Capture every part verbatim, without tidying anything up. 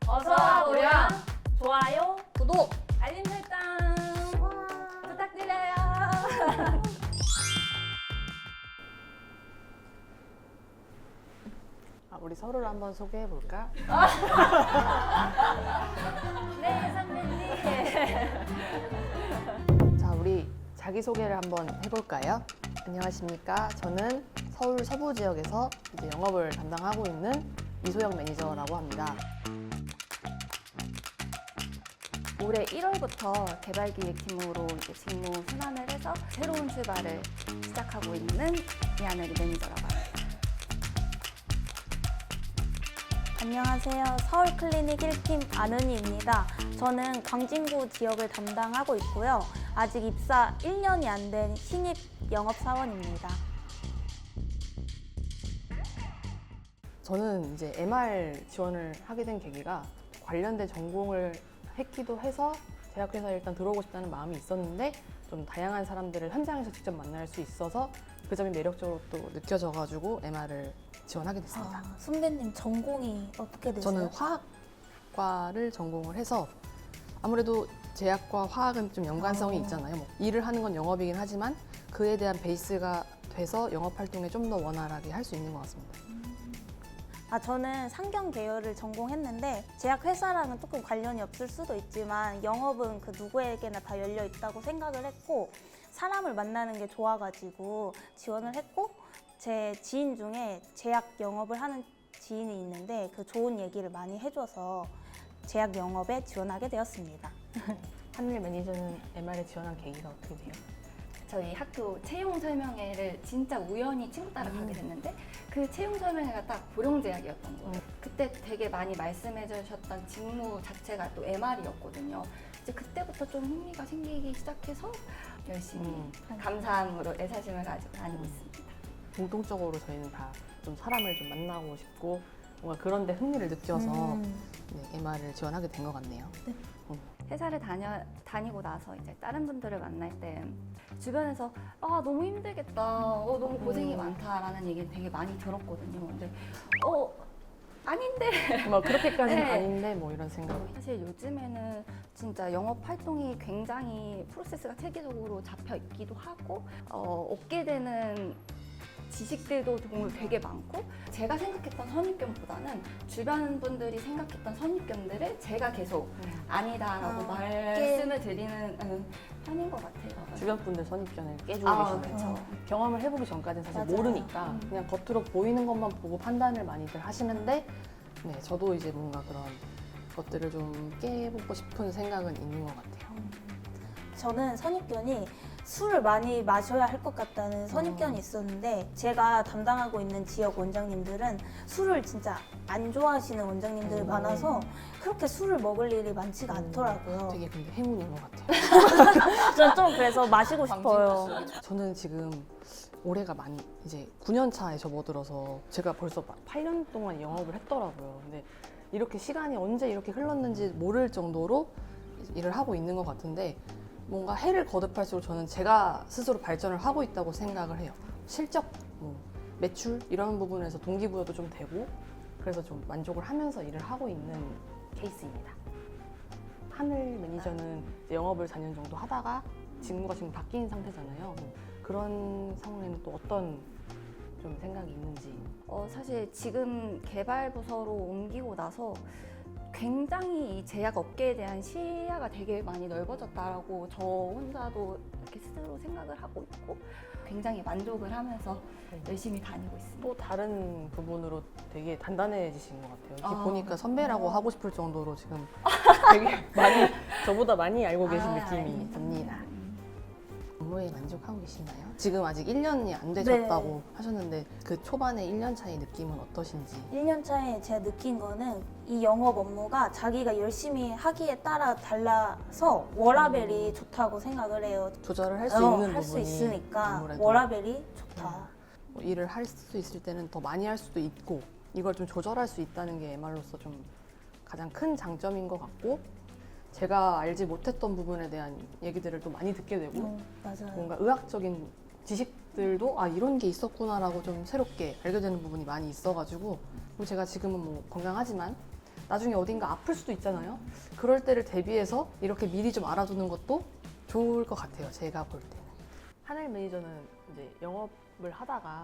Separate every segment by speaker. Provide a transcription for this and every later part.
Speaker 1: 어서와 고령
Speaker 2: 좋아요.
Speaker 1: 구독 알림 설정 부탁드려요.
Speaker 3: 아, 우리 서로를 한번 소개해 볼까?
Speaker 1: 네 선배님.
Speaker 3: 자, 우리 자기 소개를 한번 해볼까요? 안녕하십니까? 저는 서울 서부 지역에서 이제 영업을 담당하고 있는 이소영 매니저라고 합니다.
Speaker 2: 올해 일월부터 개발기획팀으로 이제 직무 순환을 해서 새로운 출발을 시작하고 있는 이하늘이 매니저라고 합니다.
Speaker 4: 안녕하세요. 서울클리닉 일 팀 안은희입니다. 저는 광진구 지역을 담당하고 있고요. 아직 입사 일 년이 안 된 신입 영업사원입니다.
Speaker 3: 저는 이제 엠알 지원을 하게 된 계기가 관련된 전공을 했기도 해서 제약회사에 일단 들어오고 싶다는 마음이 있었는데 좀 다양한 사람들을 현장에서 직접 만날 수 있어서 그 점이 매력적으로 또 느껴져가지고 엠알을 지원하게 됐습니다.
Speaker 4: 아, 선배님 전공이 어떻게 되세요?
Speaker 3: 저는 화학과를 전공을 해서 아무래도 제약과 화학은 좀 연관성이
Speaker 4: 어.
Speaker 3: 있잖아요. 뭐 일을 하는 건 영업이긴 하지만 그에 대한 베이스가 돼서 영업 활동에 좀 더 원활하게 할 수 있는 것 같습니다.
Speaker 4: 아, 저는 상경 계열을 전공했는데 제약회사랑은 조금 관련이 없을 수도 있지만 영업은 그 누구에게나 다 열려 있다고 생각을 했고 사람을 만나는 게 좋아가지고 지원을 했고 제 지인 중에 제약 영업을 하는 지인이 있는데 그 좋은 얘기를 많이 해줘서 제약 영업에 지원하게 되었습니다.
Speaker 3: 하늘 매니저는 엠알에 지원한 계기가 어떻게 돼요?
Speaker 2: 저희 학교 채용 설명회를 진짜 우연히 친구 따라 가게 됐는데 그 채용 설명회가 딱 고령제약이었던 거예요.
Speaker 3: 음.
Speaker 2: 그때 되게 많이 말씀해 주셨던 직무 자체가 또 엠알이었거든요. 이제 그때부터 좀 흥미가 생기기 시작해서 열심히
Speaker 3: 음.
Speaker 2: 감사함으로 애사심을 가지고 다니고 있습니다.
Speaker 3: 공통적으로 저희는 다 좀 사람을 좀 만나고 싶고 뭔가 그런 데 흥미를 느껴서
Speaker 4: 음.
Speaker 3: 네, 엠알을 지원하게 된 것 같네요.
Speaker 4: 네.
Speaker 3: 음.
Speaker 2: 회사를 다녀, 다니고 나서 이제 다른 분들을 만날 때 주변에서 아 너무 힘들겠다, 어, 너무 고생이
Speaker 3: 음.
Speaker 2: 많다라는 얘기를 되게 많이 들었거든요. 근데 어 아닌데
Speaker 3: 뭐 그렇게까지는
Speaker 2: 네.
Speaker 3: 아닌데 뭐 이런 생각이.
Speaker 2: 사실 요즘에는 진짜 영업 활동이 굉장히 프로세스가 체계적으로 잡혀 있기도 하고 어, 얻게 되는 지식들도 정말 되게 많고 제가 생각했던 선입견보다는 주변 분들이 생각했던 선입견들을 제가 계속 아니다라고
Speaker 4: 아,
Speaker 2: 말씀을 드리는 음, 편인 것 같아요.
Speaker 3: 주변 분들 선입견을 깨주고
Speaker 2: 아,
Speaker 3: 계시네요.
Speaker 2: 그렇죠.
Speaker 3: 경험을 해보기 전까지는 사실
Speaker 4: 맞아요.
Speaker 3: 모르니까
Speaker 4: 음.
Speaker 3: 그냥 겉으로 보이는 것만 보고 판단을 많이들 하시는데 네, 저도 이제 뭔가 그런 것들을 좀 깨보고 싶은 생각은 있는 것 같아요.
Speaker 4: 저는 선입견이 술을 많이 마셔야 할 것 같다는 선입견이
Speaker 3: 음.
Speaker 4: 있었는데 제가 담당하고 있는 지역 원장님들은 술을 진짜 안 좋아하시는 원장님들이
Speaker 3: 음.
Speaker 4: 많아서 그렇게 술을 먹을 일이 많지가
Speaker 3: 음,
Speaker 4: 않더라고요.
Speaker 3: 되게 근데 행운인 것 같아요.
Speaker 4: 저는 좀 그래서 마시고 싶어요.
Speaker 3: 저는 지금 올해가 만 이제 구 년 차에 접어들어서 제가 벌써 막 팔 년 동안 영업을 했더라고요. 근데 이렇게 시간이 언제 이렇게 흘렀는지 모를 정도로 일을 하고 있는 것 같은데 뭔가 해를 거듭할수록 저는 제가 스스로 발전을 하고 있다고 생각을 해요. 실적, 뭐 매출 이런 부분에서 동기부여도 좀 되고 그래서 좀 만족을 하면서 일을 하고 있는 케이스입니다. 하늘 매니저는 이제 영업을 사 년 정도 하다가 직무가 지금 바뀐 상태잖아요. 뭐 그런 상황에는 또 어떤 좀 생각이 있는지.
Speaker 2: 어, 사실 지금 개발 부서로 옮기고 나서 굉장히 이 제약 업계에 대한 시야가 되게 많이 넓어졌다라고 저 혼자도 이렇게 스스로 생각을 하고 있고 굉장히 만족을 하면서 열심히 다니고 있습니다.
Speaker 3: 또 다른 부분으로 되게 단단해지신 것 같아요. 이렇게
Speaker 2: 아,
Speaker 3: 보니까 선배라고
Speaker 2: 어.
Speaker 3: 하고 싶을 정도로 지금 되게 많이 저보다 많이 알고 계신
Speaker 2: 아,
Speaker 3: 느낌이
Speaker 2: 알겠습니다.
Speaker 3: 듭니다. 업무에 만족하고 계시나요? 지금 아직 일 년이 안 되셨다고
Speaker 4: 네.
Speaker 3: 하셨는데 그 초반에 일 년 차의 느낌은 어떠신지?
Speaker 4: 일 년 차에 제가 느낀 거는 이 영업 업무가 자기가 열심히 하기에 따라 달라서 워라벨이 좋다고 생각을 해요.
Speaker 3: 조절을 할 수
Speaker 4: 어,
Speaker 3: 있는
Speaker 4: 할 수
Speaker 3: 부분이
Speaker 4: 있으니까
Speaker 3: 아무래도
Speaker 4: 워라벨이 좋다.
Speaker 3: 뭐 일을 할 수 있을 때는 더 많이 할 수도 있고 이걸 좀 조절할 수 있다는 게 엠알로서 좀 가장 큰 장점인 것 같고 제가 알지 못했던 부분에 대한 얘기들을 또 많이 듣게 되고
Speaker 4: 음, 맞아요.
Speaker 3: 뭔가 의학적인 지식들도 아 이런 게 있었구나라고 좀 새롭게 알게 되는 부분이 많이 있어가지고 그리고 제가 지금은 뭐 건강하지만 나중에 어딘가 아플 수도 있잖아요. 그럴 때를 대비해서 이렇게 미리 좀 알아두는 것도 좋을 것 같아요. 제가 볼 때는. 하늘 매니저는 이제 영업을 하다가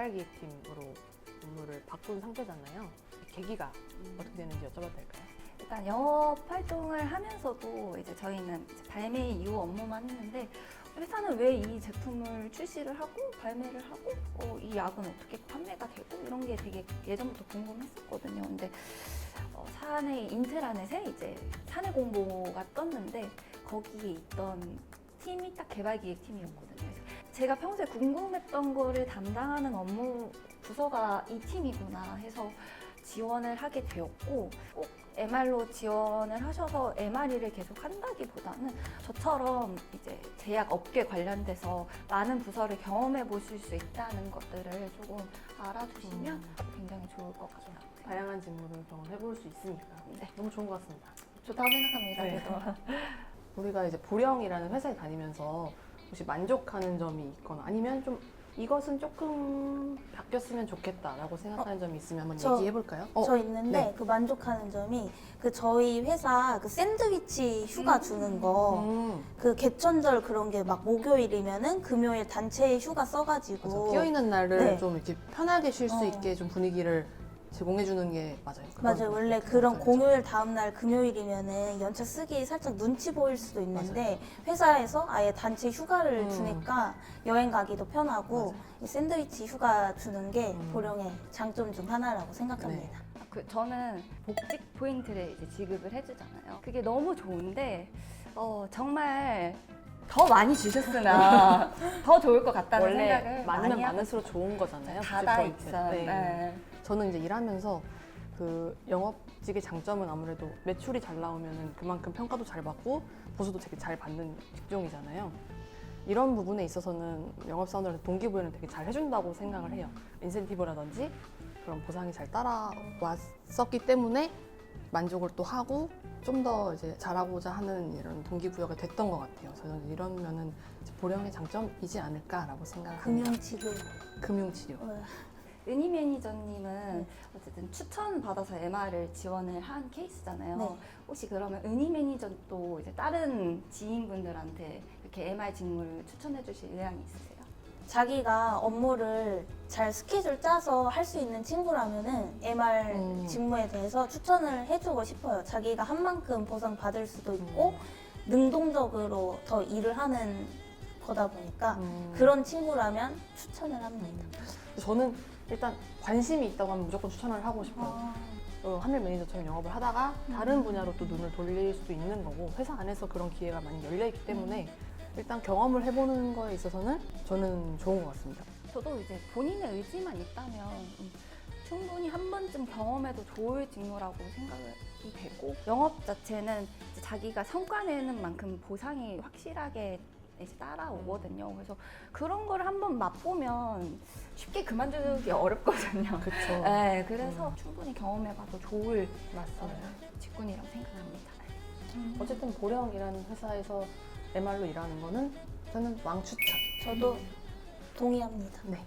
Speaker 3: 개발기획팀으로 업무를 바꾼 상태잖아요. 계기가 어떻게 되는지 여쭤봐도 될까요?
Speaker 2: 일단 영업 활동을 하면서도 이제 저희는 이제 발매 이후 업무만 했는데 회사는 왜 이 제품을 출시를 하고 발매를 하고 어, 이 약은 어떻게 판매가 되고 이런 게 되게 예전부터 궁금했었거든요. 근데 어, 사내 인트라넷에 이제 사내 공보가 떴는데 거기에 있던 팀이 딱 개발기획팀이었거든요. 그래서 제가 평소에 궁금했던 거를 담당하는 업무 부서가 이 팀이구나 해서 지원을 하게 되었고 꼭 엠알로 지원을 하셔서 엠알이를 계속 한다기보다는 저처럼 이제 제약 업계 관련돼서 많은 부서를 경험해 보실 수 있다는 것들을 조금 알아두시면
Speaker 3: 음.
Speaker 2: 굉장히 좋을 것 같아요.
Speaker 3: 다양한 직무를 경험해 볼 수 있으니까
Speaker 2: 네.
Speaker 3: 너무 좋은 것 같습니다.
Speaker 2: 좋다고 생각합니다.
Speaker 3: 네.
Speaker 2: 그래도.
Speaker 3: 우리가 이제 보령이라는 회사에 다니면서 혹시 만족하는 점이 있거나 아니면 좀 이것은 조금 바뀌었으면 좋겠다라고 생각하는 점이 있으면 한번
Speaker 4: 저-
Speaker 3: 얘기해 볼까요?
Speaker 4: 저 있는데
Speaker 3: 네.
Speaker 4: 그 만족하는 점이 그 저희 회사 그 샌드위치 휴가
Speaker 2: 음.
Speaker 4: 주는 거
Speaker 3: 음,
Speaker 4: 그 개천절 그런 게 막 목요일이면은 금요일 단체 휴가
Speaker 3: 맞아.
Speaker 4: 써가지고
Speaker 3: 끼어 있는 날을
Speaker 4: 네.
Speaker 3: 좀 이렇게 편하게 쉴 수
Speaker 4: 어.
Speaker 3: 있게 좀 분위기를 제공해 주는 게 맞아요. 그건
Speaker 4: 맞아요. 원래
Speaker 3: 그렇게
Speaker 4: 그런
Speaker 3: 생각하죠.
Speaker 4: 공휴일 다음날 금요일이면은 연차 쓰기 살짝 눈치 보일 수도 있는데 회사에서 아예 단체 휴가를
Speaker 3: 음.
Speaker 4: 주니까 여행 가기도 편하고
Speaker 3: 맞아요.
Speaker 4: 이 샌드위치 휴가 주는 게
Speaker 3: 음.
Speaker 4: 보령의 장점 중 하나라고 생각합니다.
Speaker 2: 그 저는 복직 포인트를 이제 지급을 해주잖아요. 그게 너무 좋은데 어, 정말 더 많이 주셨으면 더 좋을 것 같다는
Speaker 3: 원래
Speaker 2: 생각을
Speaker 3: 많으면
Speaker 2: 많이 하고
Speaker 3: 많을수록 좋은 거잖아요.
Speaker 2: 닫아
Speaker 3: 복지 포인트.
Speaker 2: 있어.
Speaker 3: 네.
Speaker 2: 네.
Speaker 3: 저는 이제 일하면서 그 영업직의 장점은 아무래도 매출이 잘 나오면 그만큼 평가도 잘 받고 보수도 되게 잘 받는 직종이잖아요. 이런 부분에 있어서는 영업사원들한테 동기부여는 되게 잘 해준다고 생각을 해요. 인센티브라든지 그런 보상이 잘 따라왔었기 때문에 만족을 또 하고 좀 더 이제 잘하고자 하는 이런 동기부여가 됐던 것 같아요. 저는 이런 면은 이제 보령의 장점이지 않을까라고 생각합니다.
Speaker 4: 금융치료.
Speaker 3: 금융치료.
Speaker 4: 어,
Speaker 2: 은희 매니저님은 어쨌든 추천 받아서 엠알을 지원을 한 케이스잖아요.
Speaker 4: 네.
Speaker 2: 혹시 그러면 은희 매니저도 이제 다른 지인분들한테 이렇게 엠알 직무를 추천해 주실 의향이 있으세요?
Speaker 4: 자기가 업무를 잘 스케줄 짜서 할 수 있는 친구라면은 엠알
Speaker 3: 음.
Speaker 4: 직무에 대해서 추천을 해주고 싶어요. 자기가 한 만큼 보상 받을 수도 있고
Speaker 3: 음.
Speaker 4: 능동적으로 더 일을 하는 거다 보니까
Speaker 3: 음.
Speaker 4: 그런 친구라면 추천을 합니다.
Speaker 3: 저는 일단 관심이 있다고 하면 무조건 추천을 하고 싶어요.
Speaker 4: 아,
Speaker 3: 어, 하늘 매니저처럼 영업을 하다가 다른 분야로 또 눈을 돌릴 수도 있는 거고 회사 안에서 그런 기회가 많이 열려 있기 때문에 일단 경험을 해보는 거에 있어서는 저는 좋은 것 같습니다.
Speaker 2: 저도 이제 본인의 의지만 있다면 음, 충분히 한 번쯤 경험해도 좋을 직무라고 생각이 되고 영업 자체는 이제 자기가 성과 내는 만큼 보상이 확실하게 이제 따라오거든요. 그래서 그런 걸 한번 맛보면 쉽게 그만두기 어렵거든요.
Speaker 3: 그렇죠.
Speaker 2: 네, 그래서 충분히 경험해봐도 좋을
Speaker 3: 맞습니다.
Speaker 2: 직군이라고 생각합니다.
Speaker 3: 어쨌든 보령이라는 회사에서 엠알로 일하는 거는 저는 왕추천.
Speaker 4: 저도 동의합니다.
Speaker 3: 네.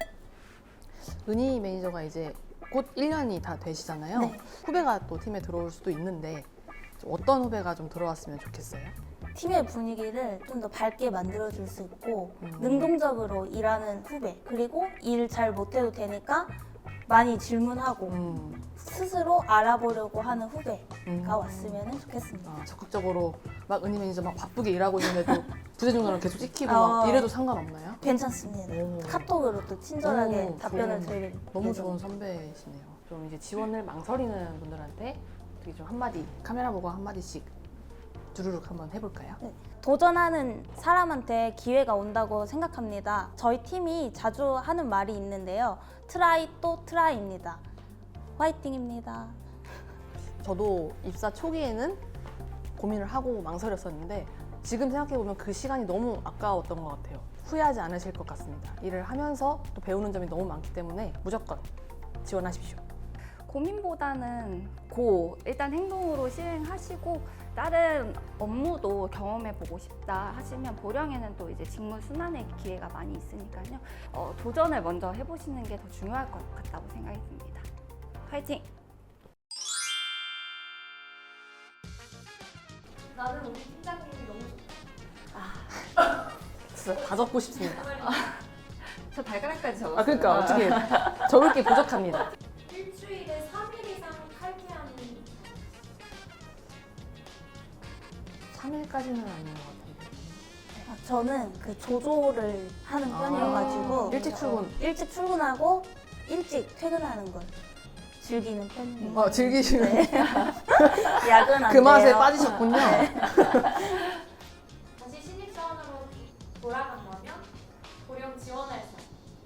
Speaker 3: 은희 매니저가 이제 곧 일 년이 다 되시잖아요.
Speaker 4: 네.
Speaker 3: 후배가 또 팀에 들어올 수도 있는데 좀 어떤 후배가 좀 들어왔으면 좋겠어요?
Speaker 4: 팀의 분위기를 좀 더 밝게 만들어줄 수 있고
Speaker 3: 음.
Speaker 4: 능동적으로 일하는 후배 그리고 일 잘 못해도 되니까 많이 질문하고
Speaker 3: 음.
Speaker 4: 스스로 알아보려고 하는 후배가
Speaker 3: 음.
Speaker 4: 왔으면 좋겠습니다.
Speaker 3: 아, 적극적으로 막 은희 매니저 막 바쁘게 일하고 있는데도 부재중간으로 계속 찍히고
Speaker 4: 어.
Speaker 3: 막 이래도 상관없나요?
Speaker 4: 괜찮습니다.
Speaker 3: 오.
Speaker 4: 카톡으로 또 친절하게
Speaker 3: 오,
Speaker 4: 답변을
Speaker 3: 좋은-
Speaker 4: 드릴
Speaker 3: 너무
Speaker 4: 예정입니다.
Speaker 3: 좋은 선배시네요. 좀 이제 지원을 망설이는 분들한테 어떻게 좀 한마디 카메라 보고 한마디씩 두루룩 한번 해볼까요?
Speaker 4: 도전하는 사람한테 기회가 온다고 생각합니다. 저희 팀이 자주 하는 말이 있는데요. 트라이 또 트라이입니다. 화이팅입니다.
Speaker 3: 저도 입사 초기에는 고민을 하고 망설였었는데 지금 생각해보면 그 시간이 너무 아까웠던 것 같아요. 후회하지 않으실 것 같습니다. 일을 하면서 또 배우는 점이 너무 많기 때문에 무조건 지원하십시오.
Speaker 2: 고민보다는 고 일단 행동으로 실행하시고 다른 업무도 경험해보고 싶다 하시면 보령에는 또 이제 직무 순환의 기회가 많이 있으니까요. 어, 도전을 먼저 해보시는 게 더 중요할 것 같다고 생각이 듭니다. 화이팅!
Speaker 1: 나는 우리 팀장님이 너무 좋다.
Speaker 3: 진짜 다 적고 싶습니다.
Speaker 2: 저 발가락까지 적었어요.
Speaker 3: 아 그러니까 어떻게 적을 게 부족합니다.
Speaker 1: 일주일에 삼 일 이상 칼퇴하는
Speaker 3: 삼 일까지는 아닌 것 같은데.
Speaker 4: 아, 저는 그 조조를 하는 편이어가지고
Speaker 3: 일찍 출근.
Speaker 4: 일찍 출근하고 일찍 퇴근하는 걸 즐기는 편이에요.
Speaker 3: 어, 즐기시는
Speaker 4: 네. 야근 안
Speaker 3: 그 맛에
Speaker 4: 돼요.
Speaker 3: 빠지셨군요.
Speaker 1: 다시 신입사원으로 돌아간다면 고령 지원할 사.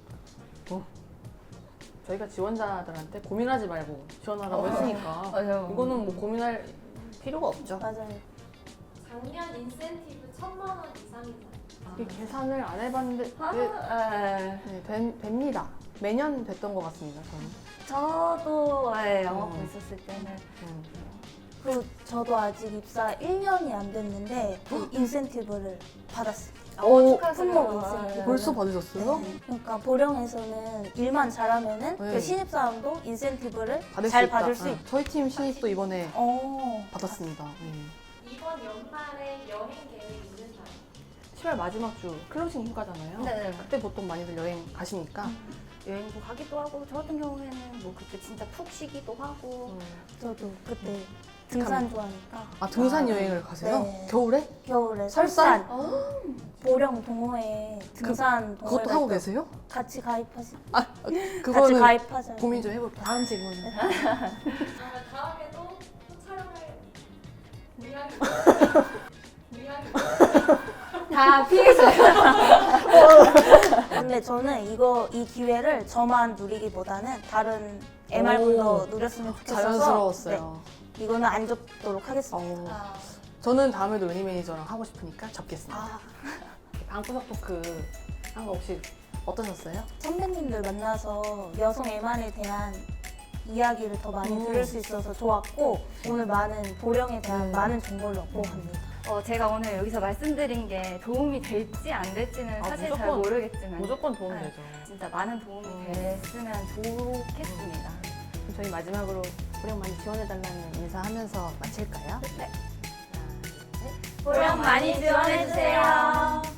Speaker 3: 저희가 지원자들한테 고민하지 말고 지원하라고 했으니까
Speaker 2: 맞아요.
Speaker 3: 이거는 뭐 고민할 필요가 없죠.
Speaker 4: 맞아요.
Speaker 1: 작년 인센티브 천만 원 이상이다.
Speaker 3: 이 계산을 안 해봤는데
Speaker 2: 아,
Speaker 3: 네,
Speaker 2: 네.
Speaker 3: 네, 된- 됩니다. 매년 됐던 것 같습니다. 저는.
Speaker 2: 저도 네, 영업
Speaker 3: 음.
Speaker 2: 있었을 때는
Speaker 3: 음.
Speaker 4: 그 저도 아직 입사 일 년이 안 됐는데 그 인센티브를 받았어요.
Speaker 3: 오,
Speaker 4: 품목 인센티브.
Speaker 3: 벌써 받으셨어요?
Speaker 4: 네. 그러니까 보령에서는 일만 잘하면은
Speaker 3: 네.
Speaker 4: 그 신입사원도 인센티브를
Speaker 3: 받을 수
Speaker 4: 잘
Speaker 3: 있다.
Speaker 4: 받을 수
Speaker 3: 네.
Speaker 4: 있고.
Speaker 3: 저희 팀 신입도 이번에
Speaker 4: 어.
Speaker 3: 받았습니다. 네.
Speaker 1: 이번 연말에 여행 계획 있는 사람.
Speaker 3: 시월 마지막 주 클로징 휴가잖아요.
Speaker 2: 네.
Speaker 3: 그때 보통 많이들 여행 가시니까.
Speaker 2: 여행도 가기도 하고 저 같은 경우에는 뭐 그때 진짜 푹 쉬기도 하고
Speaker 3: 음.
Speaker 4: 저도 그때 등산 좋아하니까
Speaker 3: 아 등산
Speaker 2: 아,
Speaker 3: 여행을 가세요?
Speaker 4: 네.
Speaker 3: 겨울에?
Speaker 4: 겨울에
Speaker 3: 설산?
Speaker 4: 설산 보령 동호회 등산 동호회
Speaker 3: 그것도
Speaker 4: 갈
Speaker 3: 하고
Speaker 4: 때
Speaker 3: 계세요?
Speaker 4: 같이 가입하시
Speaker 3: 아
Speaker 4: 같이
Speaker 3: 그거는
Speaker 4: 가입하자.
Speaker 3: 고민 좀 해볼게요. 다음 질문.
Speaker 1: 그러면 다음에도 또 촬영을 미안해. 미안해.
Speaker 2: 다 피했어요.
Speaker 4: 근데 저는 이거 이 기회를 저만 누리기보다는 다른 엠알분도 누렸으면 좋겠어서
Speaker 3: 자연스러웠어요.
Speaker 4: 네, 이거는 안 접도록 하겠습니다.
Speaker 3: 어,
Speaker 1: 아,
Speaker 3: 저는 다음에도 은희 매니저랑 하고 싶으니까 접겠습니다.
Speaker 4: 아,
Speaker 3: 방구석 토크 한 거 혹시 어떠셨어요?
Speaker 4: 선배님들 만나서 여성 엠알에 대한 이야기를 더 많이
Speaker 3: 음.
Speaker 4: 들을 수 있어서 좋았고 오늘 많은 보령에 대한
Speaker 3: 음.
Speaker 4: 많은 정보를 얻고 갑니다.
Speaker 2: 어, 제가 오늘 여기서 말씀드린 게 도움이 될지 안 될지는
Speaker 3: 아,
Speaker 2: 사실 잘
Speaker 3: 무조건,
Speaker 2: 모르겠지만
Speaker 3: 무조건 도움
Speaker 2: 네.
Speaker 3: 되죠.
Speaker 2: 진짜 많은 도움이
Speaker 3: 음.
Speaker 2: 됐으면 좋겠습니다.
Speaker 3: 그럼 저희 마지막으로 보령 많이 지원해달라는 인사하면서 마칠까요?
Speaker 2: 네.
Speaker 3: 하나, 둘, 셋.
Speaker 1: 보령 많이 지원해주세요.